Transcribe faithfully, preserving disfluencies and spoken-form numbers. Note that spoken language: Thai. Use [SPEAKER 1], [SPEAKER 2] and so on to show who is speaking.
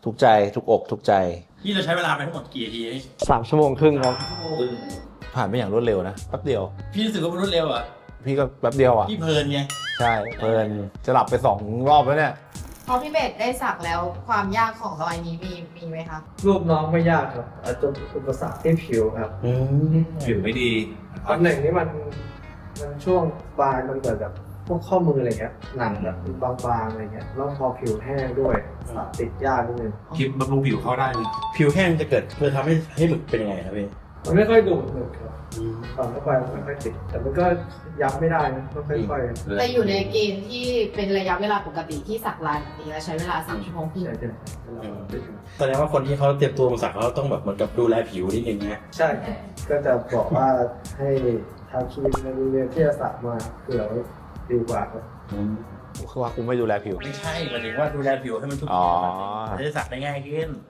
[SPEAKER 1] ทุกใจทุกอกทุกใจ
[SPEAKER 2] พี่เราใช้เวลาไปทั้งหมดกี่นาทีนี่
[SPEAKER 3] สามชั่วโมงครึ่งครับ
[SPEAKER 1] ผ่านไปอย่างรวดเร็วนะแป๊บเดียว
[SPEAKER 2] พี่รู้สึกว่ามันรวดเร็วอ่ะ
[SPEAKER 1] พี่ก็แป๊บเดียวอ่ะ
[SPEAKER 2] พี่เพลินไง
[SPEAKER 1] ใช่เพลินจะหลับไปสองรอบแล้วเนี่ย
[SPEAKER 4] พอพี่เบสได้สักแล้วความยากของรอยนี้มีมีไหมคะ
[SPEAKER 3] รูปน้องไม่ยากครับอาจจะอุปสรรคที่ผิวครับ
[SPEAKER 2] ผิวไม่ดี
[SPEAKER 3] ตำแหน่งนี้มันมันช่วงปลายมันเกิดแบบพวกข้อมืออะไรเงี้ยหนังแบบบางๆอะไรเงี้ยแล้วพอผิวแห้งด้วยสักติดยากนิดนึง
[SPEAKER 2] คลิปบำรุงผิวเข้าได้เลยผิวแห้งจะเกิดเพื่อทำให้ให้หมึกเป็นยังไงครับพี่
[SPEAKER 3] มันไม่ค่อยดูดหนึบครับตอนเข้าไปมันไม่ค่อยติดแต่มันก็ยับไม่ได้นะก็ค่อยๆ
[SPEAKER 4] แต่อยู่ในเกณฑ์ที่เป็นระยะเวลาปกติที่สักลายแบบนี้และใช้เวลาสามชั่วโมงครึ่ง
[SPEAKER 3] ใช่ใช่
[SPEAKER 2] แสดงว่าคนที่เขาเตรียมตัวมาสักเขาต้องแบบเหมือนกับดูแลผิวนิดนึงนะ
[SPEAKER 3] ใช่ ก็จะบอกว่าให้ทำคลินิกในโรงเรียนที่จะสักมาเผื่อไว้ดีกว่าครับ
[SPEAKER 1] คือว่ากูไม่ดูแลผิว
[SPEAKER 2] ไม่ใช่หมายถึงว่าดูแลผิวให้มันทุก
[SPEAKER 1] อ๋อ
[SPEAKER 2] จะได้สักได้ง่ายขึ้น